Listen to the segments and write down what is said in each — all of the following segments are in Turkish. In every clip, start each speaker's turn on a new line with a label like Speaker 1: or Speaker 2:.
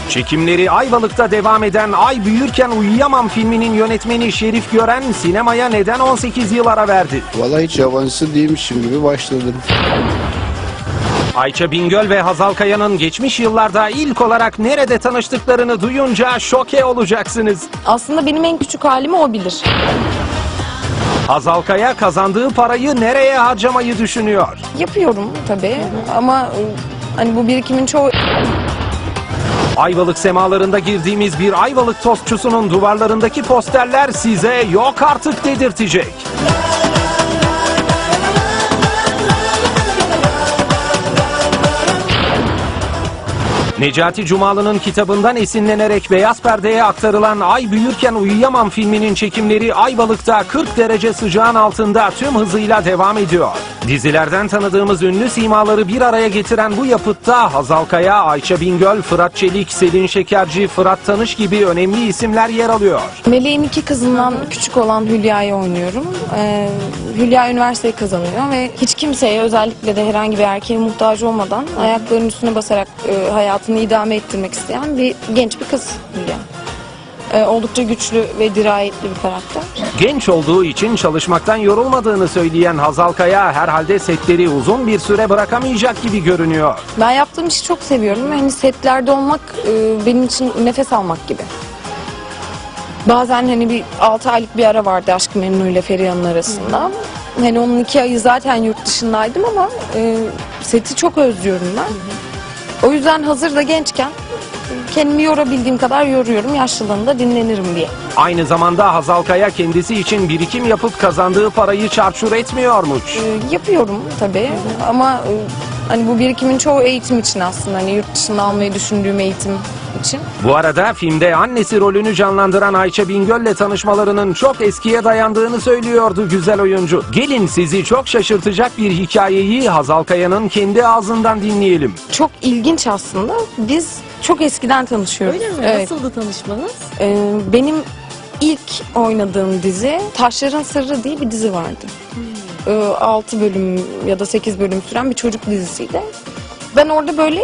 Speaker 1: Çekimleri Ayvalık'ta devam eden Ay Büyürken Uyuyamam filminin yönetmeni Şerif Gören sinemaya neden 18 yıl ara verdi?
Speaker 2: Vallahi hiç yabancısı değilmişim gibi başladım.
Speaker 1: Ayça Bingöl ve Hazal Kaya'nın geçmiş yıllarda ilk olarak nerede tanıştıklarını duyunca şoke olacaksınız.
Speaker 3: Aslında benim en küçük halimi o bilir.
Speaker 1: Hazal Kaya kazandığı parayı nereye harcamayı düşünüyor?
Speaker 3: Yapıyorum tabii ama hani bu birikimin çoğu...
Speaker 1: Ayvalık semalarında girdiğimiz bir Ayvalık tostçusunun duvarlarındaki posterler size yok artık dedirtecek. Necati Cumalı'nın kitabından esinlenerek beyaz perdeye aktarılan Ay Büyürken Uyuyamam filminin çekimleri Ayvalık'ta 40 derece sıcağın altında tüm hızıyla devam ediyor. Dizilerden tanıdığımız ünlü simaları bir araya getiren bu yapıtta Hazal Kaya, Ayça Bingöl, Fırat Çelik, Selin Şekerci, Fırat Tanış gibi önemli isimler yer alıyor.
Speaker 3: Meleğin iki kızından küçük olan Hülya'yı oynuyorum. Hülya üniversiteyi kazanıyor ve hiç kimseye, özellikle de herhangi bir erkeğe muhtaç olmadan ayaklarının üstüne basarak hayatını idame ettirmek isteyen bir genç bir kız Hülya. Oldukça güçlü ve dirayetli bir karakter.
Speaker 1: Genç olduğu için çalışmaktan yorulmadığını söyleyen Hazal Kaya herhalde setleri uzun bir süre bırakamayacak gibi görünüyor.
Speaker 3: Ben yaptığım işi çok seviyorum. Hani setlerde olmak benim için nefes almak gibi. Bazen hani bir 6 aylık bir ara vardı Aşk-ı Memnu ile Feriha'nın arasında. Hani onun 2 ayı zaten yurt dışındaydım ama seti çok özlüyorum ben. O yüzden hazır da gençken kendimi yorabildiğim kadar yoruyorum. Yaşlılığında dinlenirim diye.
Speaker 1: Aynı zamanda Hazal Kaya kendisi için birikim yapıp kazandığı parayı çarçur etmiyormuş.
Speaker 3: Yapıyorum tabii ama hani bu birikimin çoğu eğitim için aslında. Hani yurt dışında almayı düşündüğüm eğitim için.
Speaker 1: Bu arada filmde annesi rolünü canlandıran Ayça Bingöl'le tanışmalarının çok eskiye dayandığını söylüyordu güzel oyuncu. Gelin sizi çok şaşırtacak bir hikayeyi Hazal Kaya'nın kendi ağzından dinleyelim.
Speaker 3: Çok ilginç aslında. Biz çok eskiden tanışıyoruz.
Speaker 4: Öyle mi?
Speaker 3: Evet.
Speaker 4: Nasıldı tanışmanız?
Speaker 3: Benim ilk oynadığım dizi Taşların Sırrı diye bir dizi vardı. 6 bölüm ya da 8 bölüm süren bir çocuk dizisiydi. Ben orada böyle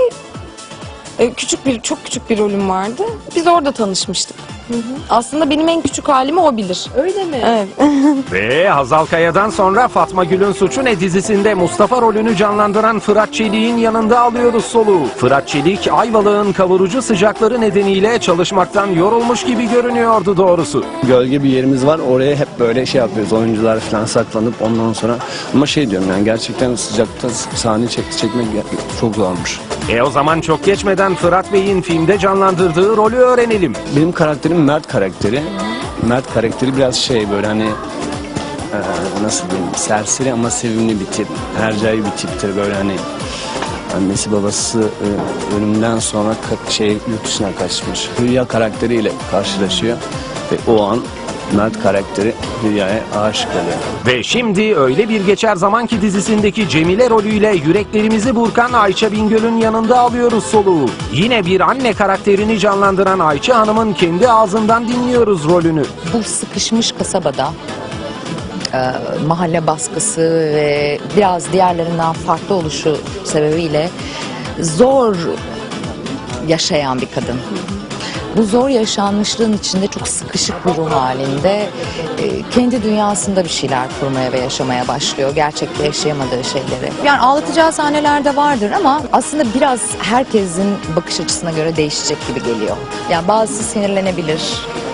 Speaker 3: çok küçük bir rolüm vardı. Biz orada tanışmıştık. Aslında benim en küçük halimi o bilir.
Speaker 4: Öyle mi?
Speaker 3: Evet.
Speaker 1: Ve Hazal Kaya'dan sonra Fatma Gül'ün Suçu Ne dizisinde Mustafa rolünü canlandıran Fırat Çelik'in yanında alıyoruz soluğu. Fırat Çelik, Ayvalık'ın kavurucu sıcakları nedeniyle çalışmaktan yorulmuş gibi görünüyordu doğrusu.
Speaker 2: Gölge bir yerimiz var, oraya hep böyle şey yapıyoruz, oyuncular falan saklanıp ondan sonra. Ama şey diyorum yani gerçekten sıcakta sahne çekmek çok zormuş.
Speaker 1: O zaman çok geçmeden Fırat Bey'in filmde canlandırdığı rolü öğrenelim.
Speaker 2: Benim karakterim Mert karakteri. Mert karakteri biraz şey böyle hani nasıl diyeyim, serseri ama sevimli bir tip. Hercai bir tiptir böyle hani annesi babası ölümden sonra yurt dışına kaçmış. Hülya karakteriyle karşılaşıyor ve o an Mert karakteri Hülya'ya aşık oluyor.
Speaker 1: Ve şimdi Öyle Bir Geçer Zamanki dizisindeki Cemile rolüyle yüreklerimizi burkan Ayça Bingöl'ün yanında alıyoruz soluğu. Yine bir anne karakterini canlandıran Ayça Hanım'ın kendi ağzından dinliyoruz rolünü.
Speaker 5: Bu sıkışmış kasabada mahalle baskısı ve biraz diğerlerinden farklı oluşu sebebiyle zor yaşayan bir kadın. Bu zor yaşanmışlığın içinde çok sıkışık bir ruh halinde kendi dünyasında bir şeyler kurmaya ve yaşamaya başlıyor. Gerçekte yaşayamadığı şeyleri. Yani ağlatacağı sahneler de vardır ama aslında biraz herkesin bakış açısına göre değişecek gibi geliyor. Yani bazısı sinirlenebilir,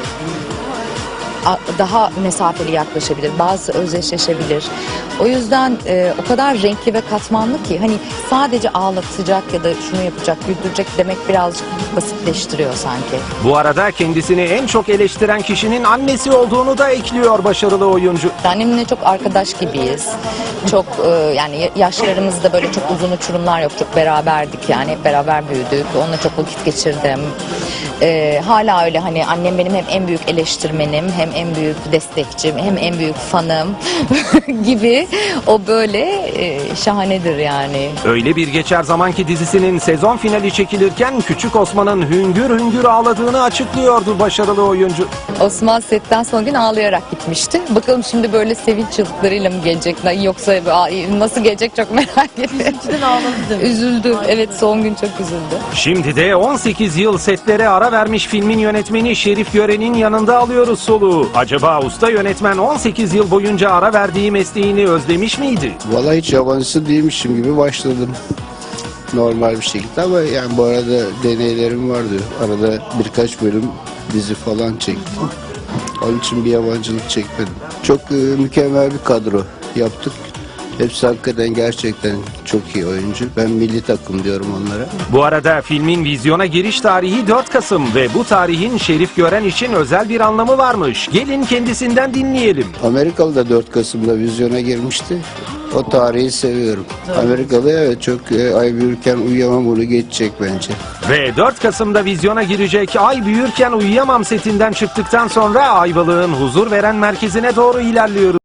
Speaker 5: daha mesafeli yaklaşabilir, bazı özdeşleşebilir. O yüzden o kadar renkli ve katmanlı ki hani sadece ağlatacak ya da şunu yapacak, güldürecek demek birazcık basitleştiriyor sanki.
Speaker 1: Bu arada kendisini en çok eleştiren kişinin annesi olduğunu da ekliyor başarılı oyuncu.
Speaker 5: Annemle çok arkadaş gibiyiz. Çok yani yaşlarımızda böyle çok uzun uçurumlar yok. Çok beraberdik yani hep beraber büyüdük. Onunla çok vakit geçirdim. Hala öyle, hani annem benim hem en büyük eleştirmenim, hem en büyük destekçim, hem en büyük fanım gibi. O böyle şahanedir yani.
Speaker 1: Öyle bir geçer zamanki dizisinin sezon finali çekilirken Küçük Osman'ın hüngür hüngür ağladığını açıklıyordu başarılı oyuncu.
Speaker 5: Osman setten son gün ağlayarak gitmişti. Bakalım şimdi böyle sevinç çığlıklarıyla mı gelecek, yoksa nasıl gelecek çok merak ediyorum.
Speaker 4: Üzüntüden ağladı.
Speaker 5: Üzüldü. Evet, son gün çok üzüldü.
Speaker 1: Şimdi de 18 yıl setlere ara vermiş filmin yönetmeni Şerif Gören'in yanında alıyoruz soluğu. Acaba usta yönetmen 18 yıl boyunca ara verdiği mesleğini özlemiş miydi?
Speaker 6: Vallahi hiç yabancısı değilmişim gibi başladım. Normal bir şekilde ama yani bu arada deneylerim vardı. Arada birkaç bölüm dizi falan çektim. Onun için bir yabancılık çekmedim. Çok mükemmel bir kadro yaptık. Hepsi hakikaten gerçekten çok iyi oyuncu. Ben milli takım diyorum onlara.
Speaker 1: Bu arada filmin vizyona giriş tarihi 4 Kasım ve bu tarihin Şerif Gören için özel bir anlamı varmış. Gelin kendisinden dinleyelim.
Speaker 6: Amerikalı da 4 Kasım'da vizyona girmişti. O tarihi seviyorum. Amerikalı evet çok ay büyürken uyuyamam onu geçecek bence.
Speaker 1: Ve 4 Kasım'da vizyona girecek Ay Büyürken Uyuyamam setinden çıktıktan sonra Ayvalık'ın huzur veren merkezine doğru ilerliyoruz.